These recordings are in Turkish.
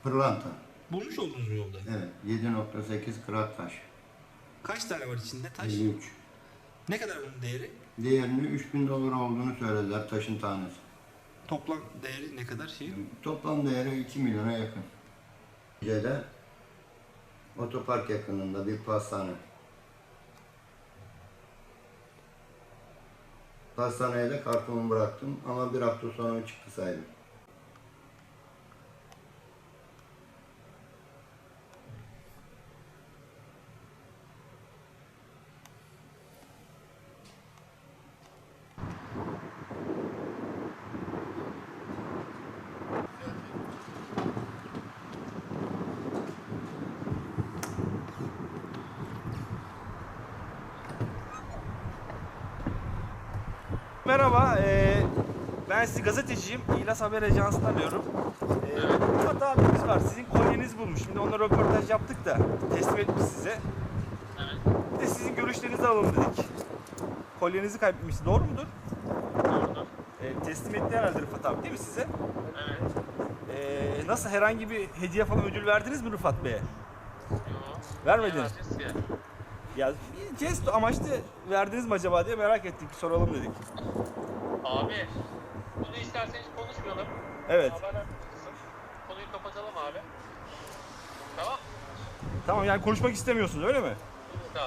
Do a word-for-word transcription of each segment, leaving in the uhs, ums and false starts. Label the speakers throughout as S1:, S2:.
S1: Pırlanta.
S2: Bulmuş oldunuz mu yolda?
S1: Evet. yedi nokta sekiz krat taş.
S2: Kaç tane var içinde taş?
S1: elli üç.
S2: Ne kadar bunun değeri?
S1: Değerinin üç bin dolar olduğunu söylediler taşın tanesi.
S2: Toplam değeri ne kadar şey?
S1: Toplam değeri iki milyona yakın. Gece'de otopark yakınında bir pastane. Pastaneye de kartonumu bıraktım ama bir hafta sonra çıktı sahibi.
S3: Merhaba, eee, ben sizi gazeteciyim. İlas Haber Ajansı'ndan arıyorum. Eee Rıfat abimiz var, sizin kolyenizi bulmuş. Şimdi onunla röportaj yaptık da teslim etmiş size.
S4: Evet,
S3: Bir de sizin görüşlerinizi alalım dedik. Kolyenizi kaybetmişsiniz, doğru mudur?
S4: doğrudur.
S3: Eee teslim etti herhalde Rıfat abi, değil mi size?
S4: Evet.
S3: Eee, nasıl, herhangi bir hediye falan ödül verdiniz mi Rıfat Bey'e?
S4: Yo.
S3: Vermediniz.
S4: Niye vereceğiz ki?
S3: Ya bir jest amaçlı verdiniz mi acaba diye merak ettik, soralım dedik.
S4: Abi, bunu isterseniz konuşmayalım.
S3: Evet.
S4: Haberler kısım. Konuyu kapatalım abi. Tamam.
S3: Tamam, yani konuşmak istemiyorsunuz, öyle mi?
S4: Evet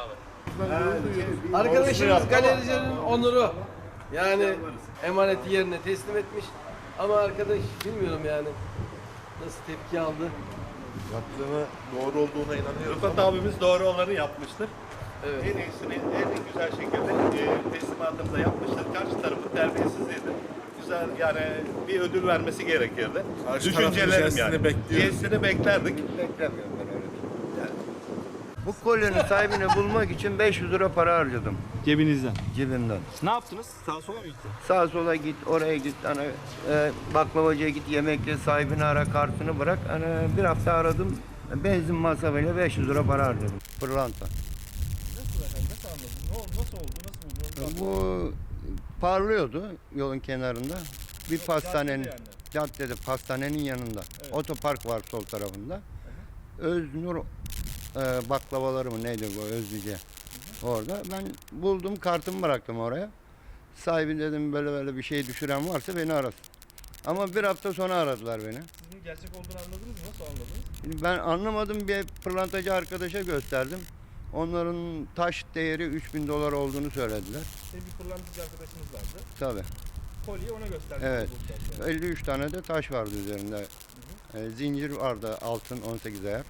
S4: abi.
S5: Arkadaşımız galericinin onuru. Yani emaneti yerine teslim etmiş. Ama arkadaş bilmiyorum yani nasıl tepki aldı.
S6: Yaptığını doğru olduğuna inanıyorum.
S7: Rıfat abimiz doğru olanı yapmıştır.
S5: Evet.
S7: En iyisini en güzel şekilde e, teslimatımıza yapmıştır. Karşı tarafın terbiyesizliğidir. Güzel, yani bir ödül vermesi gerekirdi.
S6: Karşı tarafın
S7: Düşüncelerim
S6: jestini
S7: yani.
S6: bekliyoruz.
S7: Jestini beklerdik.
S1: Beklemiyorum ben öyle. Yani. Bu kolyenin sahibini bulmak için beş yüz lira para harcadım
S3: Cebinizden.
S1: cebimden.
S3: Ne yaptınız? Sağa sola mı gitti?
S1: Sağa sola git, oraya git, hani e, baklavacıya git, yemekle sahibini ara, kartını bırak. Hani bir hafta aradım, benzin masrafıyla beş yüz lira para harcadım. Pırlanta.
S3: Nasıl efendim? Nasıl anladın? Ne oldu? Nasıl oldu? Nasıl buldu?
S1: Bu parlıyordu yolun kenarında. Bir pastanenin,
S3: yani.
S1: caddede pastanenin yanında.
S3: Evet.
S1: Otopark var sol tarafında. Öznur e, baklavaları mı neydi bu, Özlüce. Orada ben buldum, kartımı bıraktım oraya. Sahibi dedim böyle böyle bir şey düşüren varsa beni arasın. Ama bir hafta sonra aradılar beni.
S3: Sizin gerçek olduğunu anladınız mı? Nasıl anladınız?
S1: Şimdi ben anlamadım, bir pırlantacı arkadaşa gösterdim. Onların taş değeri üç bin dolar olduğunu söylediler.
S3: Senin bir pırlantacı arkadaşınız vardı.
S1: Tabii.
S3: Kolyeyi ona gösterdi.
S1: Evet. elli üç tane de taş vardı üzerinde. E, zincir vardı, altın on sekiz ayar.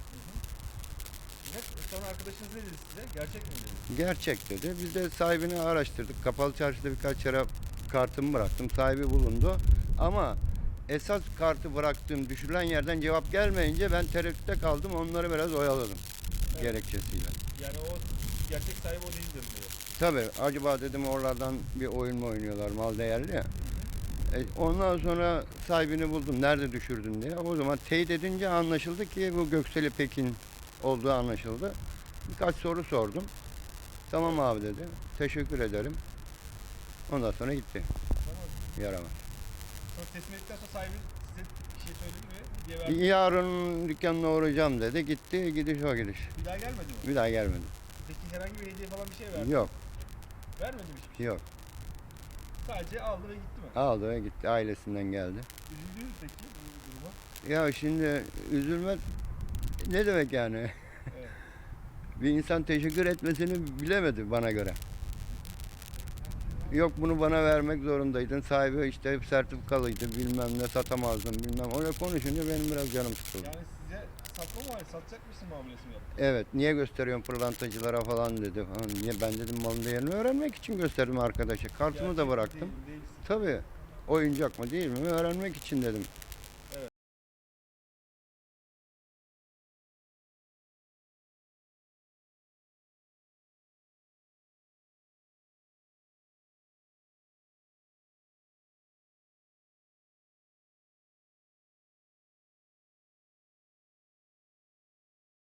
S3: Sonra arkadaşınız ne dedi size? Gerçek mi dedi?
S1: Gerçek dedi. Biz de sahibini araştırdık. Kapalı çarşıda birkaç yere kartımı bıraktım. Sahibi bulundu. Ama esas kartı bıraktığım düşürülen yerden cevap gelmeyince ben tereddütte kaldım. Onları biraz oyaladım.
S3: Evet.
S1: Gerekçesiyle.
S3: Yani o gerçek sahibi o değildir diyor.
S1: Tabii, acaba dedim oralardan bir oyun mu oynuyorlar, mal değerli ya. E, ondan sonra sahibini buldum. Nerede düşürdün diye. O zaman teyit edince anlaşıldı ki bu Gökseli Pekin olduğu anlaşıldı. Birkaç soru sordum. Tamam abi dedi. Teşekkür ederim. Ondan sonra gitti. Yaramaz.
S3: Sonra teslim ettikten sonra sahibi size bir şey söyledi mi? Hediye verdi mi?
S1: Yarın dükkanına uğrayacağım dedi. Gitti. Gidiş o gidiş.
S3: Bir daha gelmedi mi?
S1: Bir daha gelmedi.
S3: Peki herhangi bir hediye falan bir şey verdi mi?
S1: Yok.
S3: Vermedi mi hiçbir şey?
S1: Yok.
S3: Sadece aldı ve gitti mi?
S1: Aldı ve gitti. Ailesinden geldi.
S3: Üzüldünüz peki bu duruma?
S1: Ya şimdi üzülmek ne demek yani?
S3: Evet.
S1: Bir insan teşekkür etmesini bilemedi bana göre. Yok, bunu bana vermek zorundaydın. Sahibi işte hep sertifikalıydı, bilmem ne, satamazdın bilmem. Öyle konuşunca benim biraz canım sıkıldı.
S3: Yani size satma mı, satacak mısın muamelesi mi yaptı?
S1: Evet, niye gösteriyorsun pırlantacılara falan dedi. Ha, niye? Ben dedim malın değerini öğrenmek için gösterdim arkadaşa. Kartımı da
S3: Gerçek mi
S1: bıraktım.
S3: değil mi, değilse.
S1: Tabii, oyuncak mı değil mi öğrenmek için dedim.